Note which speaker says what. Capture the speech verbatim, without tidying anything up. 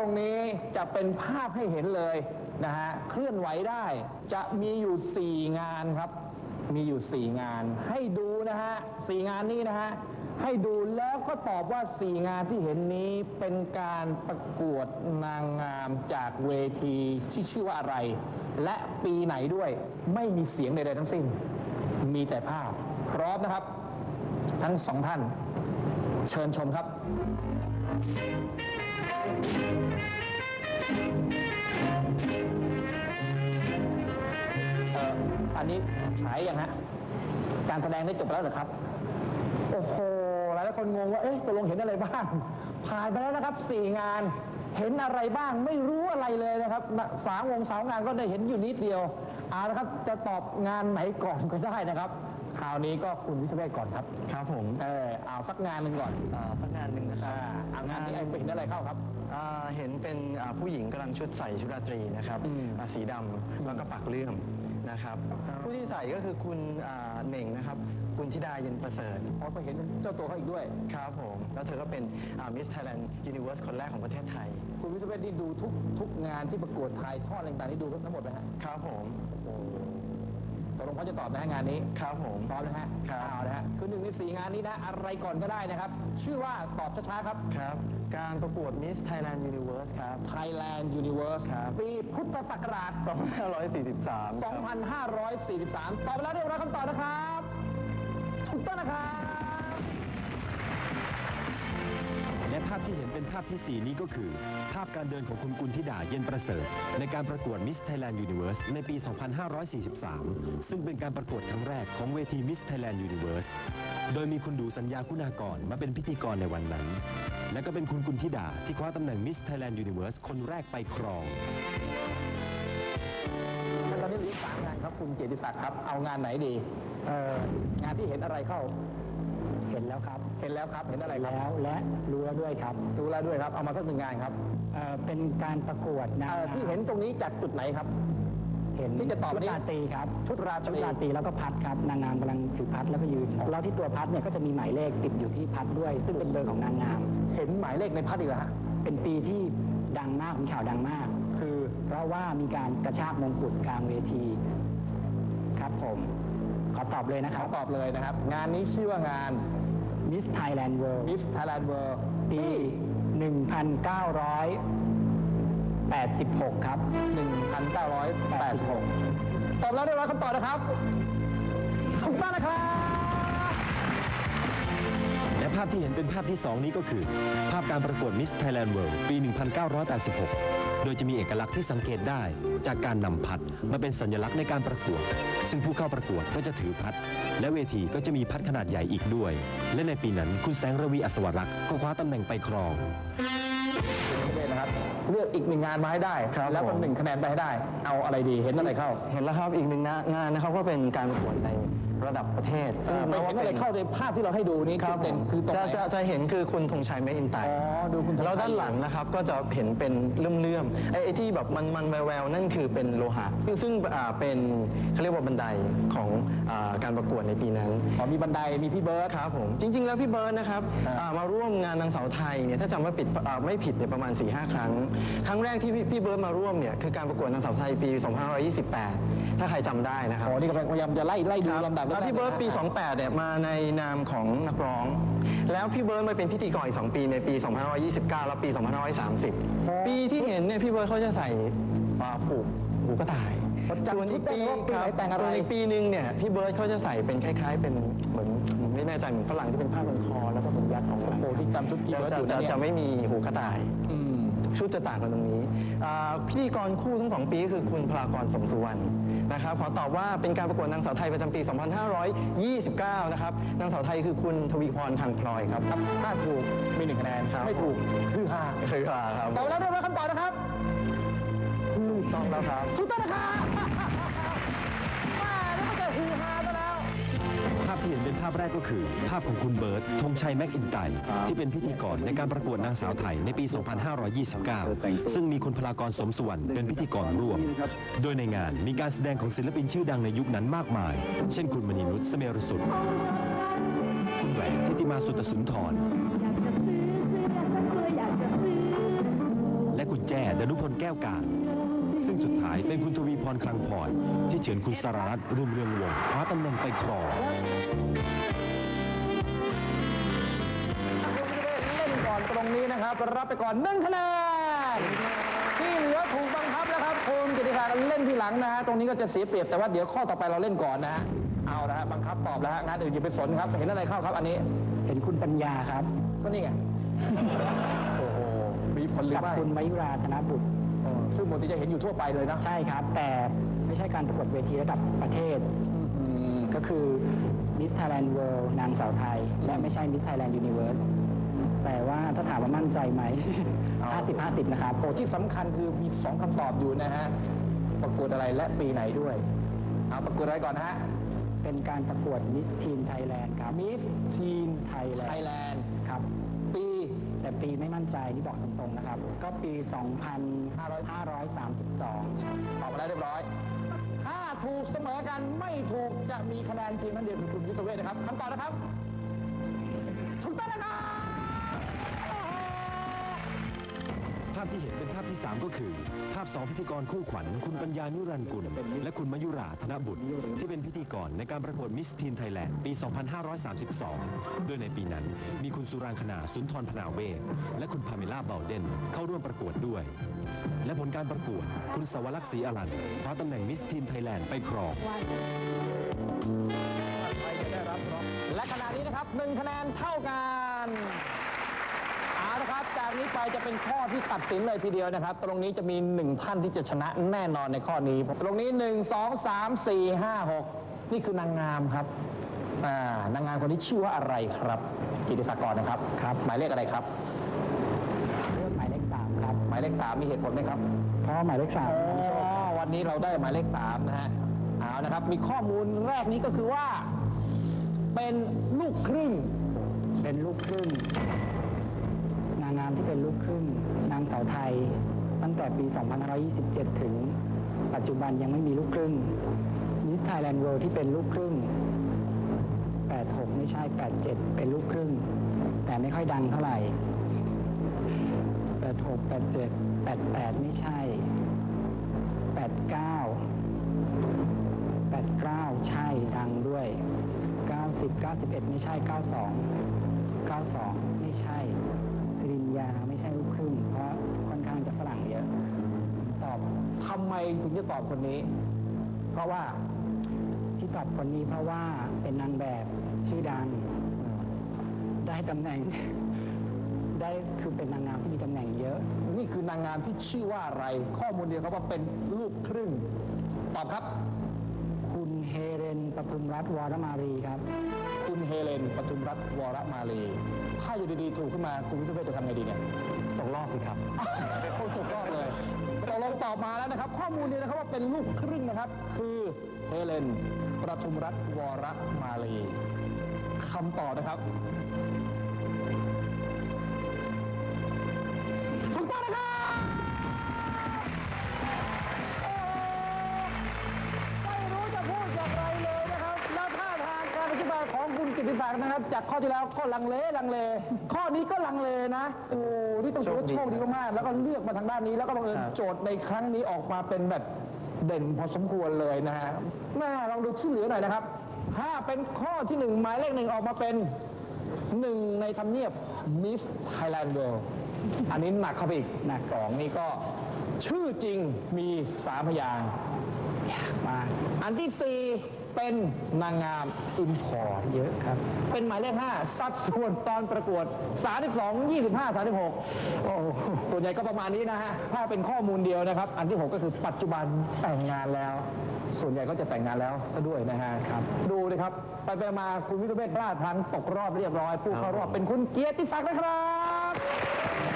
Speaker 1: รงนี้จะเป็นภาพให้เห็นเลยนะฮะเคลื่อนไหวได้จะมีอยู่สี่งานครับมีอยู่สี่งานให้ดูนะฮะสี่งานนี้นะฮะให้ดูแล้วก็ตอบว่าสี่งานที่เห็นนี้เป็นการประกวดนางงามจากเวทีที่ชื่อว่าอะไรและปีไหนด้วยไม่มีเสียงใดๆทั้งสิ้นมีแต่ภาพพร้อมนะครับทั้งสองท่านเชิญชมครับเอ่ออันนี้ฉายยังฮะการแสดงได้จบแล้วเหรอครับโอ้โหหลายคนงงว่าเอ๊ะตกลงเห็นอะไรบ้างผ่านไปแล้วนะครับสี่งานเห็นอะไรบ้างไม่รู้อะไรเลยนะครับสามวงสาวงานก็ได้เห็นอยู่นิดเดียวเอาละครับจะตอบงานไหนก่อนก็ได้นะครับคราวนี้ก็คุณวิศเวศก่อนครับ
Speaker 2: ครับผม
Speaker 1: เออเอาสักงานหนึ่งก่อน
Speaker 2: อ่าสักงานหนึ่งนะครับ
Speaker 1: เอางานนี้ไอ้เห็นอะไรเข้าครับ
Speaker 2: อ่าเห็นเป็นอ่าผู้หญิงกำลังชุดใส่ชุดราตรีนะครับอ่าสีดำแล้วก็ปักเลื่อมนะครับผู้ที่ใส่ก็คือคุณอ่าเหน่งนะครับคุณธิดาเย็นประเสริฐ
Speaker 1: อ๋อไปเห็นเจ้าตัวเขาอีกด้วย
Speaker 2: ครับผมแล้วเธอก็เป็นมิสไทยแลนด์ยูนิเวิร์สคนแรกของประเทศไทย
Speaker 1: คุณวิศเวศนี่ดูทุกทุกงานที่ประกวดถ่ายทอดอะไรต่างๆนี่ดูทั้งหมดไหมฮะ
Speaker 2: ครับผม
Speaker 1: ตกลงเขาจะตอบนะฮะงานนี้
Speaker 2: ครับผม
Speaker 1: พร้อมนะฮะ
Speaker 2: ครับ
Speaker 1: เอานะฮะคือหนึ่งในสี่งานนี้นะอะไรก่อนก็ได้นะครับชื่อว่าตอบช้าๆครับ
Speaker 2: ครับการประกวด Miss Thailand Universe ครับ
Speaker 1: Thailand Universe
Speaker 2: ครับ
Speaker 1: ปีพุทธศักราช
Speaker 2: สองพันห้าร้อยสี่สิบสาม
Speaker 1: สองพันห้าร้อยสี่สิบสามตอบไปแล้วเรียบร้อยคำตอบนะครับถูกต้องนะครับ
Speaker 3: และภาพที่เห็นเป็นภาพที่สี่นี้ก็คือภาพการเดินของคุณกุลธิดาเย็นประเสริฐในการประกวด Miss Thailand Universe ในปี สองพันห้าร้อยสี่สิบสาม ซึ่งเป็นการประกวดครั้งแรกของเวที Miss Thailand Universe โดยมีคุณดูสัญญาคุณากรมาเป็นพิธีกรในวันนั้นและก็เป็นคุณกุลธิดาที่คว้าตำแหน่ง Miss Thailand Universe คนแรกไปครอง
Speaker 1: ตอนนี้เหลือสามงานครับคุณเกียรติศักดิ์ครับเอางานไหนดีเอ่องานที่เห็นอะไรเข้า
Speaker 4: เห็นแล้วครับ
Speaker 1: เห็นแล้วครับเห็นอะไรครับ
Speaker 4: แล้วและรู้แล้วด้วยครับ
Speaker 1: รู้แล้วด้วยครับเอามาสักหนึ่งงานครับ
Speaker 4: เอ่อเป็นการประกวดนะ
Speaker 1: ที่เห็นตรงนี้จากจุดไหนครับ
Speaker 4: เห็น
Speaker 1: ที่จะตอบ
Speaker 4: ชุดราตรีครับ
Speaker 1: ชุดราตรี
Speaker 4: ชุดราตรีแล้วก็พัดครับนางงามกำลังถือพัดแล้วก็ยืนแล้วที่ตัวพัดเนี่ยก็จะมีหมายเลขติดอยู่ที่พัดด้วยซึ่งเป็นเบอร์ของนางงาม
Speaker 1: เห็นหมายเลขในพัดอีกแล้วฮะ
Speaker 4: เป็นปีที่ดังมากมีข่าวดังมาก
Speaker 1: คือ
Speaker 4: เพราะว่ามีการกระชากมงกุฎกลางเวทีครับผมขอตอบเลยนะครับ
Speaker 1: ขอตอบเลยนะครับงานนี้ชื่อว่างาน
Speaker 4: Miss Thailand World
Speaker 1: Miss Thailand World
Speaker 4: ปี หนึ่งพันเก้าร้อยแปดสิบหก ครับ
Speaker 1: หนึ่งพันเก้าร้อยแปดสิบหก ตอบแล้วได้ร้อยคำตอบนะครับถูกต้องนะครับ
Speaker 3: และภาพที่เห็นเป็นภาพที่สองนี้ก็คือภาพการประกวด Miss Thailand World ปี หนึ่งพันเก้าร้อยแปดสิบหก โดยจะมีเอกลักษณ์ที่สังเกตได้จากการนำพัดมาเป็นสัญลักษณ์ในการประกวดซึ่งผู้เข้าประกวดก็จะถือพัดและเวทีก็จะมีพัดขนาดใหญ่อีกด้วยและในปีนั้นคุณแสงระวีอัศวรักษ์ก็คว้าตำแหน่งไปครอง
Speaker 1: นะครับเลือกอีกหนึ่งงานมาให้ได้แล้วก็หนึ่งคะแนนไปให้ได้เอาอะไรดีเห็นอะไรเข้า
Speaker 2: เห็นแล้วครับอีกหนึ่งงานนะครับก็เป็นการประกวดในระดับประเทศ
Speaker 1: ไม่เห็นอะไรเข้าในภาพที่เราให้ดูนี้
Speaker 2: ครับ
Speaker 1: คือตรงไหน
Speaker 2: จะจะเห็นคือคุณธงชัยแมคอินไตร์
Speaker 1: อ๋อดูคุณ
Speaker 2: แล้วด้านหลังนะครับก็จะเห็นเป็นเลื่อมๆไอ้ที่แบบมันมันแววๆนั่นคือเป็นโลหะซึ่งเป็นเขาเรียกว่าบันไดของการประกวดในปีนั้น
Speaker 1: อ๋อมีบันไดมีพี่เบิร์ด
Speaker 2: ครับผมจริงๆแล้วพี่เบิร์ดนะครับมาร่วมงานนางสาวไทยเนี่ยถ้าจำไม่ผิดไม่ผิดเนี่ยประมาณ สี่ห้า ครั้งครั้งแรกที่พี่เบิร์ดมาร่วมเนี่ยคือการประกวดนางสาวไทยปี สองพันห้าร้อยยี่สิบแปด ถ้าใครจำได้นะครับ
Speaker 1: อ๋อนี่กำลังพยายามจะไล่ไล่ดูลำดับ
Speaker 2: แล้วพี่เบิร์ดปีสองพันแปดเนี่ยมาในนามของนักร้องแล้วพี่เบิร์ดมาเป็นพิธีกรอีกสองปีในปี สองพันห้าร้อยยี่สิบเก้า และปี สองพันห้าร้อยสามสิบ ปีที่เห็นเนี่ยพี่เบิร์ดเขาจะใส่ผูกหูกระต่าย
Speaker 1: ส่วนอีกปี
Speaker 2: แต่งอะไรอีกปีหนึ่งเนี่ยพี่เบิร์ดเขาจะใส่เป็นคล้ายๆเป็นเหมือนไม่แน่ใจเหมือนฝรั่งที่เป็นผ้าพันคอแล้วก็เป็นยัดของ
Speaker 1: โอ้ที่จำชุดพี่เบิร์ด
Speaker 2: จะจะไม่มีหูกระต่ายชุดจะต่างกันตรงนี้พิธีกรคู่ทั้งสองปีคือคุณพลากรสมสุวรรณนะครับขอตอบว่าเป็นการประกวดนางสาวไทยประจำปี สองพันห้าร้อยยี่สิบเก้า นะครับนางสาวไทยคือคุณทวีพรทางพลอยครับ
Speaker 1: ถ้าถูกมีหนึ่งคะแนนไม่ถูกคือฮา
Speaker 2: คือฮาครับ
Speaker 1: ตอบแล้วได้รับคำตอบนะครับ
Speaker 2: ถูกต้องแล้วครับ
Speaker 1: ถูกต้องนะครับมาแล้วมันจะฮือฮาไปแล้ว
Speaker 3: ภาพที่เห็นเป็นภาพแรกก็คือภาพของคุณเบิร์ตธงชัยแมคอินไตร์ที่เป็นพิธีกรในการประกวดนางสาวไทยในปี สองพันห้าร้อยยี่สิบเก้า ซึ่งมีคุณพลากรสมสุวรรณเป็นพิธีกรร่วมโดยในงานมีการแสดงของศิลปินชื่อดังในยุคนั้นมากมายเช่นคุณมณีนุชเสเมรสุดคุณแหวนทิติมาสุตสุนทรและคุณดนุพลแก้วการ ซึ่งสุดท้ายเป็นคุณทวีพรคลังพรที่เฉือนคุณสรารัตน์รุ่งเรืองวงศ์คว้าตำแหน่งไปครอง
Speaker 1: เล่นก่อนตรงนี้นะครับรับไปก่อนหนึ่งคะแนนที่เหลือถูกบังคับแล้วครับคุณกิติภาเล่นทีหลังนะฮะตรงนี้ก็จะเสียเปรียบแต่ว่าเดี๋ยวข้อต่อไปเราเล่นก่อนนะฮะเอาละฮะบังคับตอบแล้วฮะงานอื่นอย่าไปสนครับเห็นอะไรเข้าครับอันนี้
Speaker 4: เห็นคุณปัญญาครับ
Speaker 1: ก็นี่ไงโอ้โหมีผลหรือ
Speaker 4: กับ
Speaker 1: ไม่
Speaker 4: คุณมายุราธนบุตร
Speaker 1: ซึ่งปกติจะเห็นอยู่ทั่วไปเลยนะ
Speaker 4: ใช่ครับ แต่ไม่ใช่การประกวดเวทีระดับประเทศ
Speaker 1: อืม
Speaker 4: ก็คือ Miss Thailand World นางสาวไทย และไม่ใช่ Miss Thailand Universe แต่ว่าถ้าถามว่ามั่นใจไหม ห้าสิบ ห้าสิบ นะครับ
Speaker 1: โอ้ที่สำคัญคือมีสองคำตอบอยู่นะฮะประกวดอะไรและปีไหนด้วยเอาประกวดอะไรก่อนนะฮะ
Speaker 4: เป็นการประกวด Miss Teen Thailand ครับ
Speaker 1: Miss Teen
Speaker 4: Thailand
Speaker 1: Thailand
Speaker 4: ครับ
Speaker 1: ปี
Speaker 4: แต่ปีไม่มั่นใจนี่บอกตรงๆนะครับ ก็ปี สองพันห้าร้อยสามสิบสอง
Speaker 1: ตอบมาแล้วเรียบร้อย ถ้าถูกเสมอกันไม่ถูกจะมีคะแนนเพียงนั้นเดียวคือคุณวิศเวทนะครับคำตอบนะครับ ถูกต้องนะครับ
Speaker 3: ภาพที่เห็นเป็นภาพที่ สาม ก็คือ ภาพสองพิธีกรคู่ขวัญคุณปัญญานุรันดร์กุลและคุณมายุราธนบุตร ที่เป็นพิธีกรในการประกวดมิสทีนไทยแลนด์ปี สองพันห้าร้อยสามสิบสอง โดยในปีนั้นมีคุณสุรางคณาสุนทรพนาเวศและคุณพาเมล่าเบลเดนเข้าร่วมประกวดด้วย และผลการประกวดคุณสวรักษ์ศรีอรันคว้าตำแหน่งมิสทีนไทยแลนด์ไปครอง
Speaker 1: และขณะนี้นะครับหนึ่งคะแนนเท่ากันเอาละครับจากนี้ไปจะเป็นข้อที่ตัดสินเลยทีเดียวนะครับ ตรงนี้จะมีหนึ่งท่านที่จะชนะแน่นอนในข้อนี้ ตรงนี้หนึ่ง สอง สาม สี่ ห้า หกนี่คือนางงามครับอ่านางงามคนนี้ชื่อว่าอะไรครับกิติศักดิ์กรนะครับครับ หมายเลขอะไรครับ
Speaker 4: เลือกหมายเลขสามครับ
Speaker 1: หมายเลขสามมีเหตุผลไหมครับ
Speaker 4: เพราะหมายเลขสาม
Speaker 1: อ๋อวันนี้เราได้หมายเลขสามนะฮะเอานะครับ มีข้อมูลแรกนี้ก็คือว่า เป็นลูกครึ่ง
Speaker 4: เป็นลูกครึ่ง นางงามที่เป็นลูกครึ่ง นางสาวไทย ตั้งแต่ปี สองพันห้าร้อยยี่สิบเจ็ด ถึง ปัจจุบันยังไม่มีลูกครึ่ง Miss Thailand World ที่เป็นลูกครึ่ง แปดหก ไม่ใช่ แปดเจ็ด เป็นลูกครึ่ง แต่ไม่ค่อยดังเท่าไหร่ แปดหก แปดเจ็ด แปดแปด ไม่ใช่ แปดเก้า แปดเก้า ใช่ดังด้วย เก้าสิบ เก้าสิบเอ็ด ไม่ใช่ เก้าสอง เก้าสอง ไม่ใช่สิรินยาไม่ใช่ลูกครึ่ง เพราะค่อนข้างจะฝรั่งเยอะ ตอบ
Speaker 1: ทำไมถึงจะตอบคนนี้ เพราะว่า
Speaker 4: ที่ตอบคนนี้เพราะว่าเป็นนางแบบชื่อดัง ได้ตำแหน่ง ได้คือเป็นนางงามที่มีตำแหน่งเยอะ
Speaker 1: นี่คือนางงามที่ชื่อว่าอะไร ข้อมูลเดียวครับว่าเป็นลูกครึ่ง ตอบครับ
Speaker 4: คุณเฮเรนประทุมรัตน์วรมารีครับ
Speaker 1: คุณเฮเลนปทุมรัตน์วรมาลีถ้าอยู่ดีๆถูกขึ้นมาคุณวิศเวทจะทำไงดีเนี่ย
Speaker 2: ตกรอบสิครับ
Speaker 1: โอ้ถูกรอบเลยตกลงตอบมาแล้วนะครับ ข้อมูลนี้นะครับว่าเป็นลูกครึ่งนะครับ คือเฮเลนประทุมรัตน์วรมาลีคำตอบนะครับถูกต้องนะครับโอ้ไม่รู้จะพูดอย่างไรเลยนะครับ แล้วท่าทางการอธิบายของคุณกิติศักดิ์นะครับ จากข้อที่แล้วก็ลังเลลังเล ข้อนี้ก็ลังเลนะ โอ้นี่ต้องถือว่าโชคดีมากๆแล้วก็เลือกมาทางด้านนี้ แล้วก็บังเอิญ
Speaker 2: ครับ
Speaker 1: โจทย์ในครั้งนี้ออกมาเป็นแบบเด่นพอสมควรเลยนะฮะแม่ลองดูที่เหลือหน่อยนะครับ ถ้าเป็นข้อที่หนึ่งหมายเลขหนึ่งออกมาเป็นหนึ่งในทำเนียบ Miss Thailand World อันนี้หนักเข้าไปอีกหนักสองนี่ก็ชื่อจริงมีสามพยางค์
Speaker 4: มา
Speaker 1: อันที่สี่เป็นนางงามอินพอร์ต
Speaker 4: เยอะครับ
Speaker 1: เป็นหมายเลขห้าสัดส่วนตอนประกวด สามสิบสอง ยี่สิบห้า สามสิบหกโอ้โหส่วนใหญ่ก็ประมาณนี้นะฮะ ถ้าเป็นข้อมูลเดียวนะครับ อันที่หกก็คือปัจจุบันแต่งงานแล้ว ส่วนใหญ่ก็จะแต่งงานแล้วซะด้วยนะฮะครับ ดูเลยครับ ไปไปมาคุณวิทยเวทพลาดพลั้งตกรอบเรียบร้อย ผู้เข้ารอบเป็นคุณเกียรติศักดิ์นะครับ